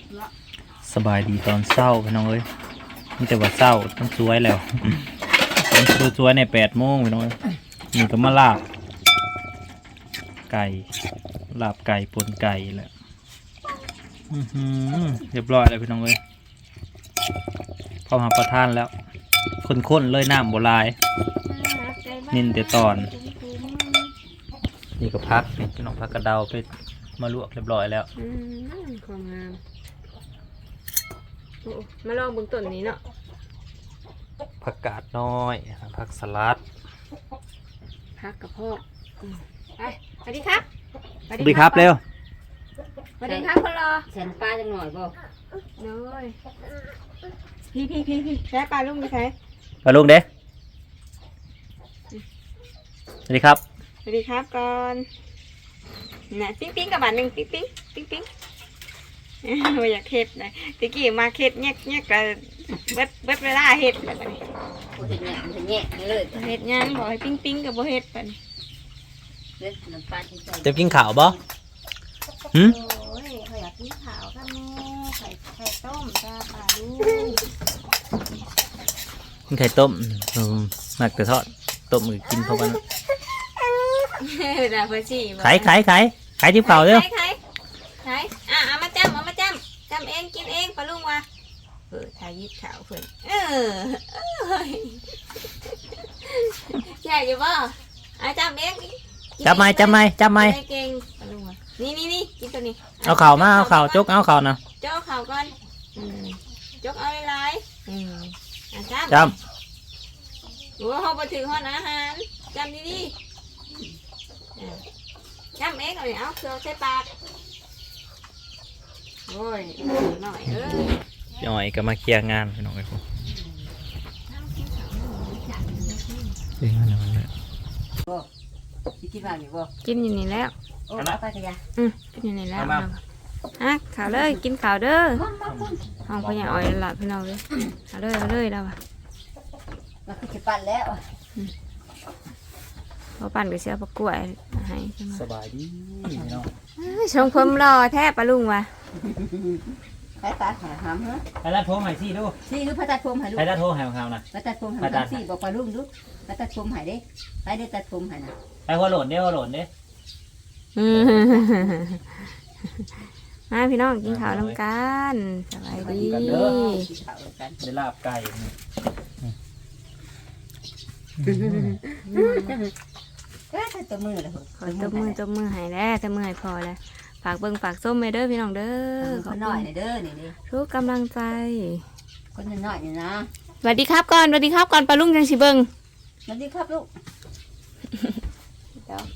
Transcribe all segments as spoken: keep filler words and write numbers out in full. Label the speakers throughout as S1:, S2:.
S1: สบายดีตอนเศร้าพี่น้องเอ้ยนี่แต่ว่าเศร้าต้องสวยแล้วต้องสวยในแปดโมงพี่น้องเอ้ยนี่ก็มาลาบไก่ลาบไก่ปนไก่แหละเรียบร้อยแล้วพี่น้องเอ้ยพอมาประทานแล้วข้นๆเลยน้ำโบราณนินแต่ตอนนี่ก็พักนี่พี่น้องพักกระเดาไปมาลวกเรียบร้อยแล้ว
S2: ความงามมาลองบนต้นนี้เนาะ
S1: ผักกาดน้อยผักสลัด
S2: พักกับพ่อไปสวัสดีครับ
S1: สวัสดีครับเร็ว
S2: สวัสดีครับคนรอ
S3: แสนปลาจังหน่อยบ่
S2: เลยพี่พี่พี่พี่ใช้ปลาลุงไปใช้
S1: ปลาลุงเด้สวัสดีครับ
S2: สวัสดีครับก่อนน่ะปิ๊งปิ๊งกับบาทหนึ่งปิ๊งปิ๊งปิ๊งปิ๊งไม่อยากเห็ดเลยตะกี้มาเห็ดแยกแยกกับเบ็ดเบ็ดเวลาเห็ดแบบนี้
S3: เห็ดแง่เห็ดแง่เลย
S2: เห็ดยังบอกให้ปิ๊งปิ๊งกับบ่เห็ดแบบนี้
S1: จะกินข้าวบ่หืม
S2: โอ้ยเขาอยากกินข้าวกันแม่ไข่ไข่ต้มจ้าปลาลู
S1: กินไข่ต้มหมักแต่ทอดต้มมือกินเพราะว่าขายขายขายขายทิพย์เข่าเร็ว
S2: ขายขายอ่ะเอามาจำเอามาจำจำเองกินเองปลาลุงว่ะเออทายิบขาวเพื่อนเออใช่อยู่บ่อ่ะจำเอง
S1: จับไม้จับไม้จับไม้
S2: เก่งปลาลุงว่ะนี่นี่นี่กินตัวนี้
S1: เอาเข่ามาเอาเข่าจกเอาเข่านะ
S2: จกเข่าก่อนจกเอาหลายๆอืมอ่ะจำ
S1: จ
S2: ำโอ้เขาไปถึงห้องอาหารจำดีๆจำเองเลยเอาเครื่องใส่ปากโอ้ยหน่อยเอ้ย
S1: หน่อยก็มาเคลียร์งานพี่น้องไอ้พวกเคลียร์งานอะไรเนี่ย
S3: กินมาอยู่บ่
S2: กินอยู่นี่แล้ว
S3: โอ้เอาไปกันยา
S2: อืมกินอยู่นี่แล้วอ่ะข่าวเลยกินข่าวเด้อห้องพญาอ้อยหลับพี่น้องเลยเอาเลยเอาเลยแล้วอ่ะ
S3: มาคือจะปั่นแล้ว
S2: พอปั่นก็เสียประกวดให้
S1: สบายดีพี่น้อง
S2: ชงเพิ่มรอแทบปลาลุงว่ะ
S3: ไปตัดหาหามเหรอ
S1: ไปตัดผมให้ซี่ดู
S3: ซี่ดูไปตัดผมให้ลูก
S1: ไปตัดผมให้ของเขานะ
S3: ไปตัดผมให้ซี่บอกปลาลุงดูไปตัดผมให้เด้ไปได้ตัดผมให้นะ
S1: ไปหัวโหลดเด้หัวโหลดเด้
S2: มาพี่น้องกินข้าวน้ำกันสบายดี
S1: ได้ลาบไก่
S3: ตัวมือเลย
S2: ขอตัวมือตัวมือหายแล้วตัวมือหายพอแล้วฝากเบิ้งฝากส้มเด้อพี่น้องเด้อ
S3: ขอหน่อยเด้อนี่ดิ
S2: ทุกกำลังใจ
S3: คนหน่อยนี่นะ
S2: สวัสดีครับก่อนสวัสดีครับก่อนปลาลุงจังสิเบิ้ง
S3: สวัสดีครับลูกเดี๋ยว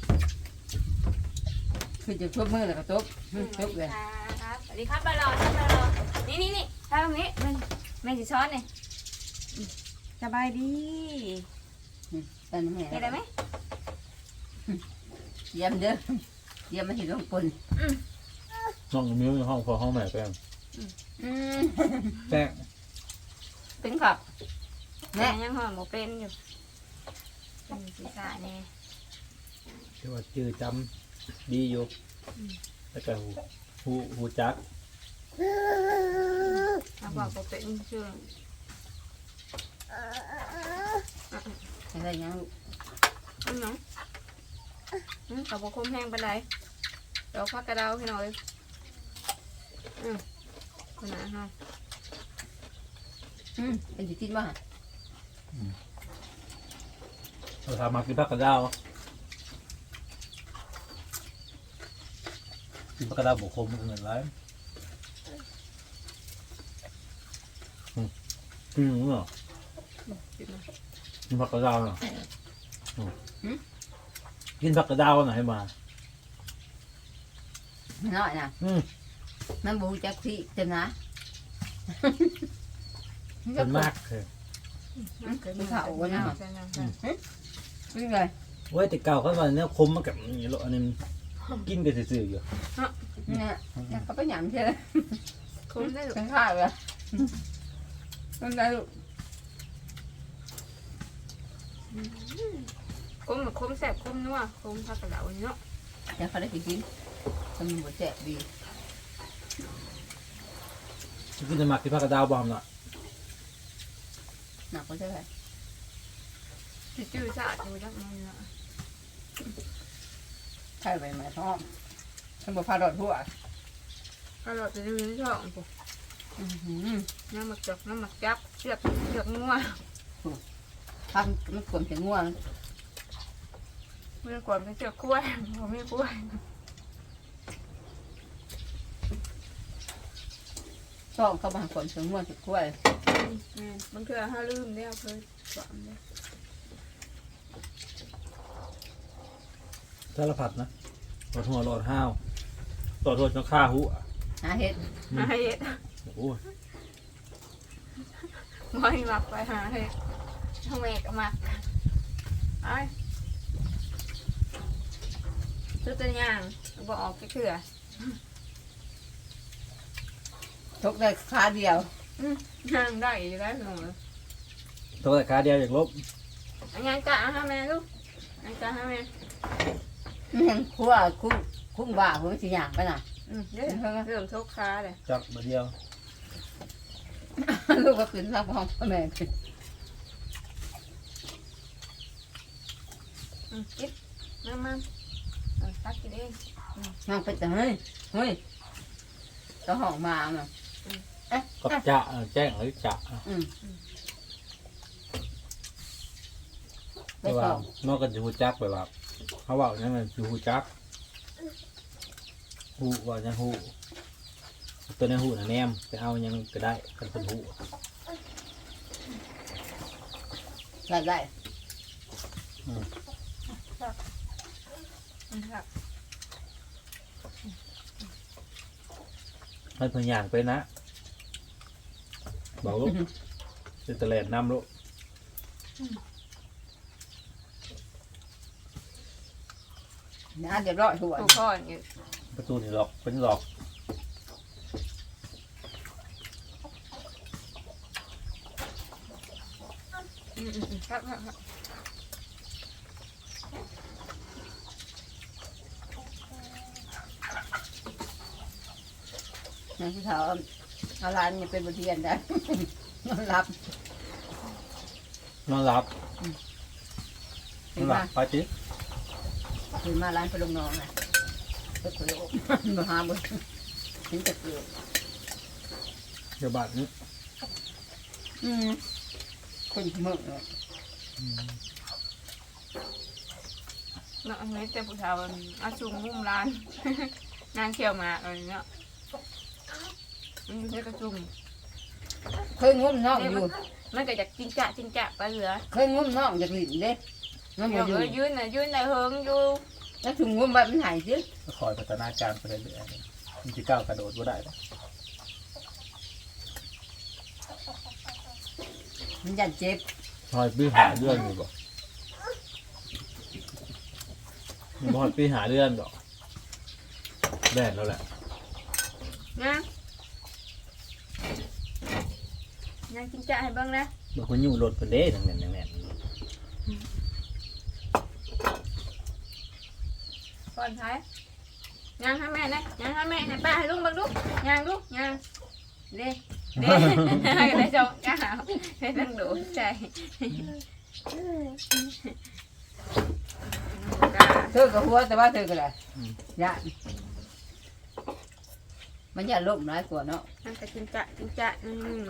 S3: คือจะทุบมือแล้วก็ทุบทุบเลย
S2: สวัสดีครับปลาหลอดปลาหลอดนี่นี่นี่ทำตรงนี้แม่แม่สิช้อนนี่สบายดี
S3: เป็นไง
S2: ได้ไหม
S3: เยี่ยมเด้อเยี่ยมมาที่โรงปน
S1: น้องมิ้วห้องพอห้องแม่แป้งแป้ง
S3: เป็นครับ
S2: แม่ยังห่อหมูเป็นอยู่สีสาเนี่ย
S1: ที่ว่าจื้อจำดีอยู่แล้วก็หูหูจัก
S2: เอาบอกหมูเป็นชื่อ
S3: อะไรยัง
S2: อันน้องกับบุคคลแห้งไปไหนเดี๋ยวพักกระดาวให้หน่อยอืมขนาดฮะ
S3: อืมเป็นจุดที่บ้าน
S1: เราทำมากินพักกระดาวกินพักกระดาวบุคคลมันเหมือนไรกินหรือเปล่ากินผักกระดาวเหรอกินผักกระดาวหน่อยให้มา
S3: หน่อยนะมันบูจักที่เต็มนะ
S1: เป็นมากเลย
S3: มันเข่าวันนั้นนี่ไง
S1: เว้ยแต่เก่าเขาว่าเนื้อคมมากับนี่หรออันนี้กินกันซื่อๆอยู่
S3: เนี่ยเขาไปหยำใช่ไหม
S2: คมได้หรือ
S3: เป็นข้าวเลยมันได้ลูก
S2: คมคมแสบคมนัวคมผักกระดาวเนาะ
S3: จะเขาได้กินมันหมดแสบดี
S1: กินจะหมักที่ผักกระดาวบอมเนาะ
S3: หนักก็ใช่ไหม
S2: จืดจืดสะอาดอยู่จังมันเนาะ
S3: ใช่ไหมหมายท้องฉันบอกพาดอดหัว
S2: ก็เราจะดูในช่องปุ๊บ
S3: อื้อหือ
S2: น้ำหมักจกน้ำหมักจับเชือกเชือกงัว
S3: ทำมันกลมเสียงง่วง
S2: เมื่อก่อนเป็นเชือกกล้วยผมไม่กล้วย
S3: ชอบเข้ามาก่อนเสียงง่วงสุดขั้ว
S2: บางเทื่อห้าลืมได้เอาเลยสอนเลย
S1: สารพัดนะหลอดหัวหลอดห้าวหลอดหัวจนฆ่าหูอ่ะ
S3: หาเห็ด
S2: หาเห็ด
S1: โอ้โห
S2: ไม่หมักไปหาเห็ดทำไมก็หมักไอ้ซื้อตัวอย่างบอกออกไปเถื่อ
S3: ทกได้ขาเดียว
S2: ย่างได้อยู่แล้วหนู
S1: ตัวแต่ขาเดียวอย่างลบ
S2: อันยังกะฮะแม่ลูกอันกะฮะแม่
S3: มันยังขั้วคุ้งคุ้งบ่าผมสิอย่างไปน่ะ
S2: อืมเดี๋ยวเริ่มทุกค้าเลย
S1: จับมาเดียว
S3: ลูกก็ขึ้นรับห้องพ่อแม่ขึ้น
S2: อืมกินมามาเออตักกินเอง
S3: นั่งไปแต่เฮ้ยเฮ้ยก็ห้องมาเนาะ
S1: ก็จะเออแจ้งหรือจะ
S3: อืม
S1: แต่ว่านอกจากจะหูจักไปว่าเขาบอกนั่นมันคือหูจักหูว่าจะหูตัวในหูน่ะแนมไปเอายังก็ได้กันเป็นหู
S3: ได้ได้
S2: อืมครับ
S1: ให้เพิ่นย่างไปนะบอกลูกจะตะแลนน้ำลูก
S3: นะเดี๋ยวรอหัว
S2: ถูกข้ออย่างนี้
S1: ประตูนี่หลอกเป็นหลอก
S2: อืมอืมอืมครับครับครับ
S3: นะที่เขาเอาร้านนี่เป็นบทเรียนได้ นอนรับ
S1: นอนหลับน
S3: ขึ้
S1: อน นหลั
S3: มา
S1: บไปจิ
S3: ขึ้นมาร้านไปลงน้องน่ะก็คุยโอ้มาหาบุญถึงจะเกิด
S1: เดี๋ยวบาดนี้
S3: อืมคนมึงเลย
S2: เนาะอันนี้แต่ผู้ชายมันอาชุงมุมร้าน นางเขียวหมากอะไรเนาะมันอยู่ในกระจุม
S3: เคยงุ้มน้องอยู่
S2: มันก็อยากจิงจะจิงจะไปเหลือ
S3: เคยงุ้มน้องอยากหลินเด้มัน
S2: เดี๋
S3: บ่
S2: ยว
S3: อยู่
S2: เออยืนน่ะยืนในเฮิงอยู่
S3: แล้วถึงงุ้มแบบมันหายสิ
S1: ก็คอยพัฒนาการไปเรื่อยๆมันจะก้าวกระโดดก็ได้ปะ
S3: มันยันเจ็บ
S1: คอยปีหาเรื่องอยู่บ่มันบอดปีหาเรื่องดอกแบนแล้วแหละ
S2: นะนางจิงจะให้เบ้างนะ
S1: บางคนอยู่รถเป็นเด้ทั้งนั้นทั้งนั้น
S2: ก่อนท้ายยางให้แม่นะยางให้แม่ให้ป้าให้ลุงเบ้างลูกยางลูกยางเด้เด้ให้ได้จงจ้าให้ตั้งดูใจ
S3: เธอกับหัวแต่ว่าเธอก็ได้ยะมันอย่าล้มร้ายกว่าเนาะ
S2: นั่นก็จิงจะจิงจะอืม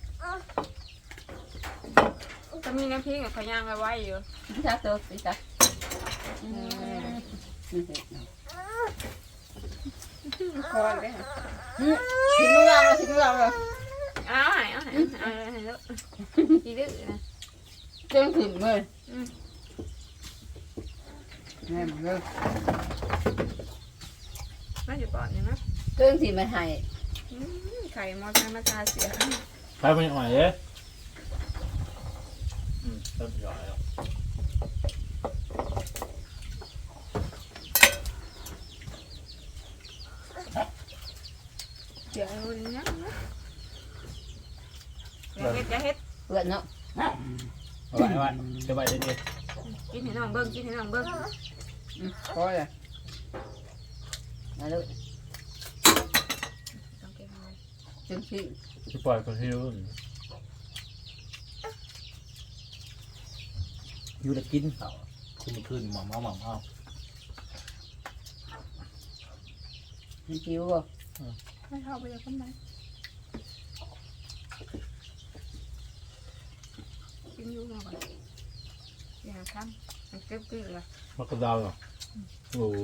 S2: จะมีน้ำพริกกับขยางไว้อยู่
S3: พี่ตาเธอพี่ตาอืม
S2: คอเลย
S3: ทิ้งมือเราทิ้งมือเราเลย
S2: เอาให้เอาให้เอาให้แล้วดีดื้อนะ
S3: เจ้าถึงเลย
S2: อืม
S3: แม่มึงเลย
S2: มาอยู่ก่อนเนี่ยนะ
S3: เจ้าถึงไม่ให้
S2: อืมไข่มอสมาตาเสีย
S1: ใครเป็นอ่อยเด้อืมเริ่มหย่อยแล้ว
S2: เสียเลยนะอย่าเฮ็ดอย่าเฮ็ด
S3: เพื่อนเนาะ
S1: เอาไว้เอาไว้จะไว้เด็ด
S2: กินให้น้องเบิ้งกินให้น้องเบิ้ง
S3: พอเลยมาเลย
S2: ต้องเก็บไว้
S3: จนที่
S1: ที่ปล่อยคนที่รู้อยู่ได้กินเขาขึ้นมาขึ้นหมอมเอาหมอมเอา
S3: มันคิวบ่
S2: ให้เข้าไปเลยคนไหนกินอยู่มาก่อนอย่าทำมันเก็บกินเลย
S1: มากระดาวเหรอโอ้โห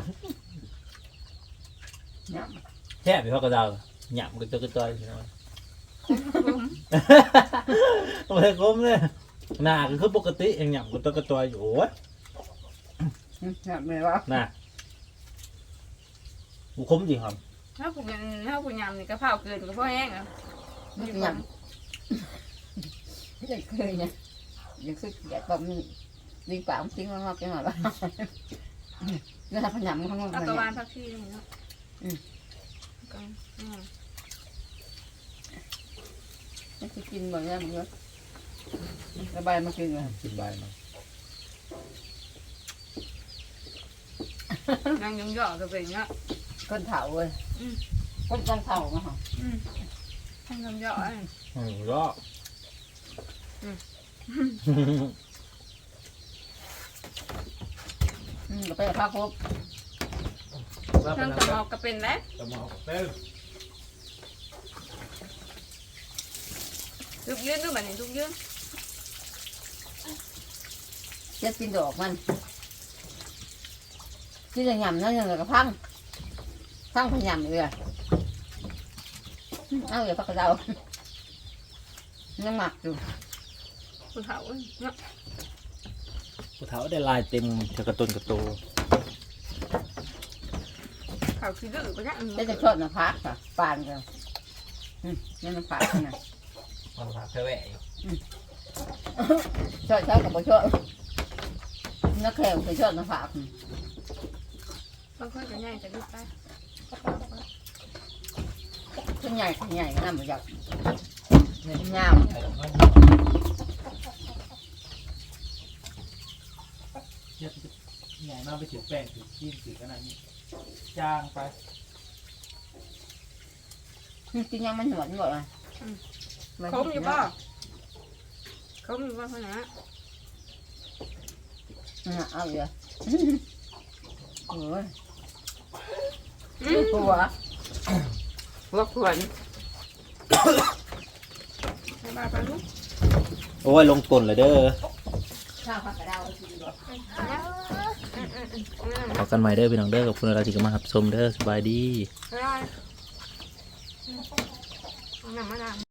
S3: เนี่ย
S1: แค่ไปพักกระดาวหยาบก็จะกระจายใช่ไหมโอ้ยคมเลยหน้าก็คือปกติเองหยาบก็จะกระจายอยู่โอ้ย
S3: เนี่ยไม่ว่า
S1: น่ะบุคมจริงครับ
S2: ถ้าผู้ยำถ้าผู้ยำนี่ก็เผาเกินก็พอแห้งอ่ะ
S3: ไม่ยำยังเคยเนี่ยยังสึกอยากแบบนี้ดีกว่าทิ้งมันมาเป็นหน่อยบ้างนี่ถ้าพยายามมันข้างนอก
S2: เอา
S3: พ
S2: กระ
S3: ยา
S2: า
S3: ว
S2: ม นพักที่นี่เนาะก็อืม
S3: มันจะกินบ่อยเนี่ยมันเยอะระบายมากินเลย
S1: กินใบมัน
S2: นั่งยองย่อก็เป็นเนาะ
S3: ก้นเถาเลยก้นก้นเถามาหรอ
S2: อืมนั่งยองย่อไอ้
S1: อืมก็
S3: อืมก็ไปพักครบ
S2: นั่งกระเมาก็เป็นแล้ว
S1: กระเมาเต้น
S2: ลูกยืนดูแบบนี้ลูกยืน
S3: จะกินดอกมันที่จะหยำนั่นยังไงก็พังพังพยายามเลยเอาอย่าพักกระเดายังหมักอยู่
S2: ผู้เฒ่าเนาะ
S1: ผู้เฒ่าได้ลายเต็มจะกระตุนกระโต
S2: เขาคือดื้อไปเนี่ย
S3: จะจะชดนะพักค่ะปานกันนี่มันพักนะ
S1: มันพาแค่แหวะ
S3: ชดเช้ากับบ่ชดนักแข่งไปชดนะพัก
S2: บางคนก็ง่ายจะดื้อไป
S3: ขึ้นใหญ่ขึ้นใหญ่ก็น่าเหมือนกันยาว
S1: ใหญ่มากไปถือแป้งถือขี้ถือขนาดนี้จ้างไป
S3: กินยังมันหนวดหมดเลย
S2: คมอยู่ป่ะคมอยู่ป่ะคนนะ
S3: เอาอยู่โอ้ยหัวหัวขวน
S2: มาไปลูก
S1: โอ้ยลงกลเลยเด้อ
S3: ข้าวผักกระเดา
S1: ขอกันใหม่เด้อพี่น้องเด้อขอบคุณอะไรที่เข้ามารับชมเด้อสบายดี
S2: ได้น้ำมะนาว